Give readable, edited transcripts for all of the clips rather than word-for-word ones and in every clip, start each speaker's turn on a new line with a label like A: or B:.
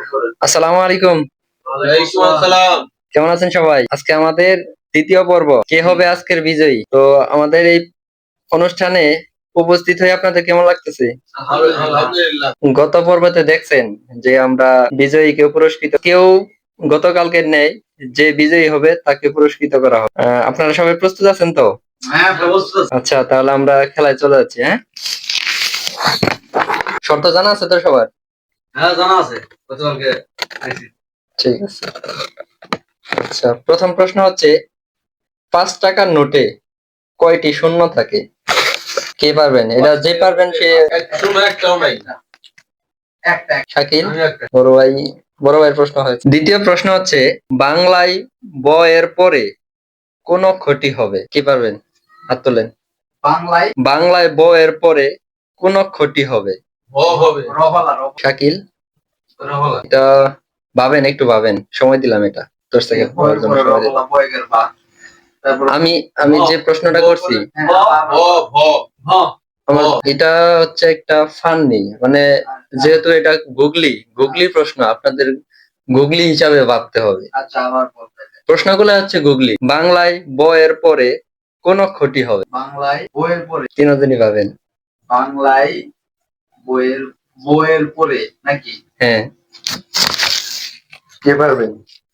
A: আসসালামু আলাইকুম।
B: ওয়ালাইকুম আসসালাম।
A: কেমন আছেন সবাই? আজকে আমাদের তৃতীয় পর্ব, কে হবে আজকের বিজয়ী। তো আমাদের এই অনুষ্ঠানে উপস্থিত হয়ে আপনাদের কেমন লাগতেছে?
B: আলহামদুলিল্লাহ।
A: গত পর্বতে দেখছেন যে আমরা বিজয়ীকে পুরস্কৃত, কেউ গতকালকের ন্যায় যে বিজয়ী হবে তাকে পুরস্কৃত করা হবে। আপনারা সবাই প্রস্তুত আছেন তো?
B: হ্যাঁ, প্রস্তুত।
A: আচ্ছা, তাহলে আমরা খেলায় চলে যাচ্ছি। হ্যাঁ, শর্ত জানা আছে তো সবার?
B: হ্যাঁ, জানা আছে। গতকালকে আইছি।
A: ঠিক আছে। আচ্ছা, প্রথম প্রশ্ন হচ্ছে 5 টাকার নোটে কয়টি শূন্য থাকে? কে পারবেন? এটা যে পারবেন সে।
B: শূন্য একটাও নাই।
A: শাকিল,
B: আমি একটা।
A: বড় ভাইয়ের প্রশ্ন হয়েছে। দ্বিতীয় প্রশ্ন হচ্ছে বাংলায় ব এর পরে কোন অক্ষরটি হবে? কি পারবেন? হাত তোলেন। বাংলায় ব এর পরে কোন অক্ষরটি হবে?
B: হবে।
A: শাকিল,
B: রহলা।
A: এটা ভাবেন, একটু ভাবেন, সময় দিলাম, এটা 10 সেকেন্ড ভাবার জন্য সময় দিলাম। আমি আমি যে প্রশ্নটা করছি এটা হচ্ছে একটা ফান্নি, মানে যেহেতু এটা গুগলি প্রশ্ন, আপনাদের গুগলি হিসাবে ভাবতে হবে।
B: আচ্ছা, আমার
A: প্রশ্নগুলো হচ্ছে গুগলি। বাংলায় ব এর পরে কোন অক্ষরটি হবে?
B: বাংলায় বইয়ের পরে।
A: তিনজনই পাবেন।
B: বাংলায় বইয়ের পরে নাকি?
A: হ্যাঁ, কে পারবেন?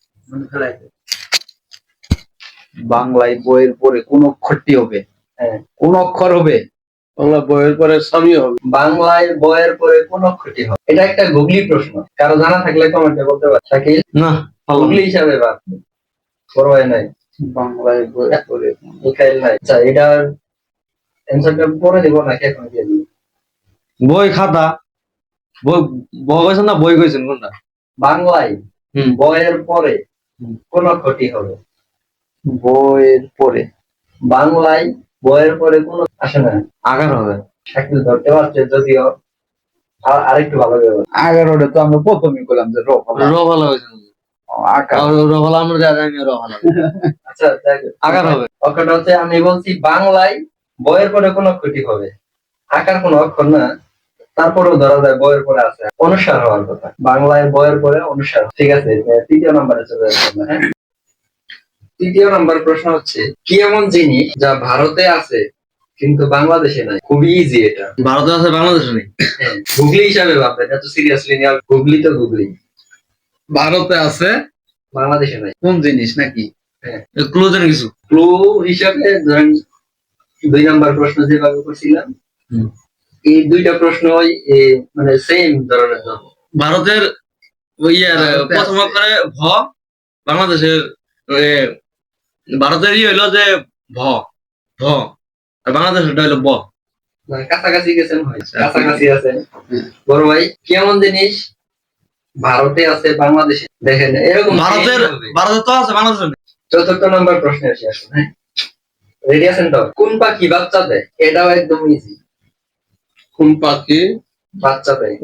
B: বাংলায় বইয়ের পরে কোন অক্ষরটি হবে?
A: হ্যাঁ,
B: কোন অক্ষর হবে? বাংলা বইয়ের পরে স্বামী হবে।
A: বাংলায় ব এর পরে কোন অক্ষরটি হবে? এটা একটা গুগলি প্রশ্ন, কারো জানা থাকলে কমেন্টে বলতে পারে। শাকিল,
B: না,
A: গুগলি হিসাবে ভাব। বড় হয় নাই,
B: বাংলায় বইয়ের পরে
A: মিখাইল নাই। আচ্ছা, এটার অ্যান্সারটা পরে দিব নাকি এখন দিয়ে দিব?
B: বই খাতা। বই কইছেন না বই কইছেন কোনটা?
A: বাংলায় ব এর পরে কোন অক্ষরটি হবে?
B: বইয়ের পরে
A: বাংলায় ব এর পরে কোন আসে না।
B: আগার হবে।
A: শাকিল ধরতে পারছে যদিও, আরেকটু ভালো হবে।
B: 11টা তো আমরা প্রথমেই করলাম যে রভালা হয়েছে। রভালা আমরা যা জানি রভালা।
A: আচ্ছা,
B: আগার হবে।
A: অক্ষরটা হচ্ছে, আমি বলছি বাংলায় ব এর পরে কোন অক্ষরটি হবে। আকার কোন অক্ষর না, তারপরেও ধরা যায় বইয়ের পরে আছে অনুসার হওয়ার কথা। বাংলায় বইয়ের পরে অনুসার। ঠিক আছে, তৃতীয় নম্বরে চলে যাচ্ছে আমরা। হ্যাঁ, তৃতীয় নম্বর প্রশ্ন হচ্ছে কি এমন জিনিস যা ভারতে আছে কিন্তু বাংলাদেশে নাই? খুবই ইজি এটা।
B: ভারতে আছে বাংলাদেশে নেই।
A: হ্যাঁ, গুগলি হিসাবে ভাববেন, এত সিরিয়াসলি নিয়ে। গুগলি তো গুগলি।
B: ভারতে আছে
A: বাংলাদেশে নাই
B: কোন জিনিস নাকি?
A: হ্যাঁ,
B: ক্লু দেন কিছু।
A: ক্লু হিসাবে ধরেন 2 নম্বর প্রশ্ন যেভাবে করছিলাম, এই দুইটা প্রশ্নই মানে সেম ধরনের জন্য।
B: ভারতের প্রথম অক্ষরে ভ, বাংলাদেশের ভারতের হইলো যে ভ ভ আর বাংলাদেশের হইলো ব।
A: মানে কাছাকাছি গেছেন, হয় কাছাকাছি আছেন। বড় ভাই, কেমন জিনিস ভারতে আছে বাংলাদেশে? দেখেন এরকম
B: ভারতে তো আছে বাংলাদেশে নেই।
A: চতুর্থ নম্বর প্রশ্নে আসি আসুন। হ্যাঁ, রেডি আছেন তো? কোন পাখি বাচ্চা দেয়? এটাও একদম ইজি।
B: কোন পাখি
A: বাচ্চা দেয়?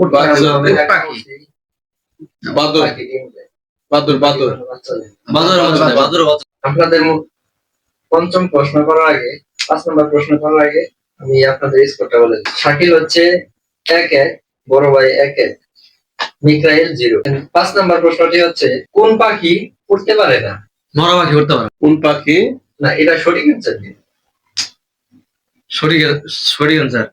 B: বাদর। বাদর বাদর
A: বাচ্চা দেয়।
B: বাদর।
A: আপনাদের পঞ্চম প্রশ্ন করার আগে, 5 নম্বর প্রশ্ন করার আগে আমি আপনাদের স্কোরটা বলে দিই। শাকিল হচ্ছে 1-1, বড় ভাই 1-1, মিকাইল 0। 5 নম্বর প্রশ্নটি হচ্ছে কোন পাখি উড়তে পারে না?
B: মরা পাখি উঠতে পারে। কোন পাখি?
A: না, এটা সঠিক অ্যান্সার কি?
B: সঠিক অ্যান্সার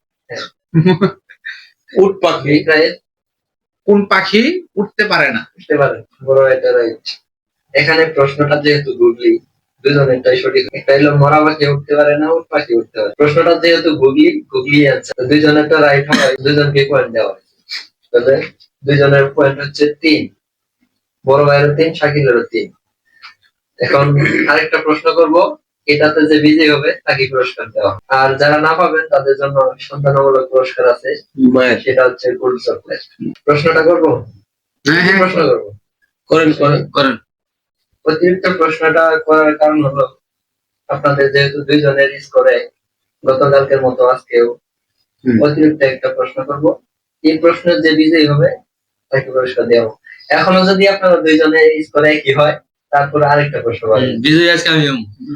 B: উট পাখি।
A: মিকাইল,
B: কোন পাখি উঠতে পারে না?
A: উঠতে পারে। বড় এটা রাইট। এখানে প্রশ্নটা যেহেতু গুগলি, দুজনেরটাই সঠিক। একটা হলো মরা পাখি উঠতে পারে না, উট পাখি উঠতে পারে। প্রশ্নটা যেহেতু গুগলি অ্যান্সার, দুজনেরটা রাইট হয়, দুজনকে পয়েন্ট দেওয়া হয়। তাহলে দুজনের পয়েন্ট হচ্ছে 3। বড় ভাইয়েরও 3, শাকিলেরও 3। এখন আরেকটা প্রশ্ন করব, এটাতে যে বিজয়ী হবে তাকে পুরস্কার দেওয়া। আর যারা না পাবেন তাদের জন্য সন্তানমূলক পুরস্কার আছে, সেটা হচ্ছে গোল্ড চকলেট। প্রশ্নটা করবো?
B: হ্যাঁ,
A: প্রশ্ন করবো।
B: করেন।
A: অতিরিক্ত প্রশ্নটা করার কারণ হলো আপনাদের যেহেতু দুইজনের স্কোরে গতকালকের মতো আজকেও অতিরিক্ত একটা প্রশ্ন করব। এই প্রশ্নের যে বিজয়ী হবে তাকে পুরস্কার দেওয়া। এখনো যদি আপনারা দুইজনের স্কোরে একই হয়, তারপরে আরেকটা প্রশ্ন পাবেন।
B: বিজয় আজকে আমি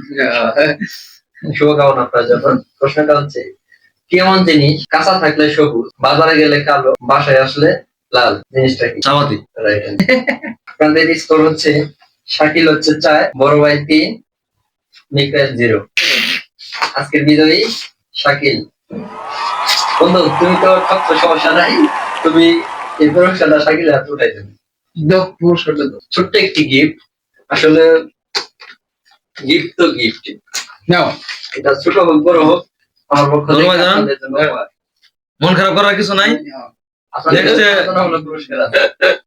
A: শুভকামনা আপনার জন্য। প্রশ্নটা হচ্ছে কেমন জিনিস কাঁচা থাকলে সবুজ, বাজারে গেলে কালো, বাসায় আসলে লাল জিনিসটা কি?
C: চাপাতি।
A: রাইট। আপনাদের স্কোর হচ্ছে শাকিল হচ্ছে 4, বড় ভাই 3, নিকরাজ 0। আজকের বিজয়ী শাকিল। বন্ধু তুমি তো সব সমস্যা নাই, তুমি এই পুরস্কারটা শাকিলের হাতে উঠাই দেবে।
B: দাও পুরস্কারটা দাও।
A: ছোট্ট একটি গিফট, আসলে গিফট তো গিফট,
B: নাও।
A: এটা ছোট হোক বড় হোক, আমার পক্ষ থেকে
C: ধন্যবাদ জানান।
A: আপনাদের জন্য উপহার।
C: মন খারাপ করার কিছু নাই।
A: আপনাদের
C: Next,
A: জন্য হলো পুরস্কার আছে।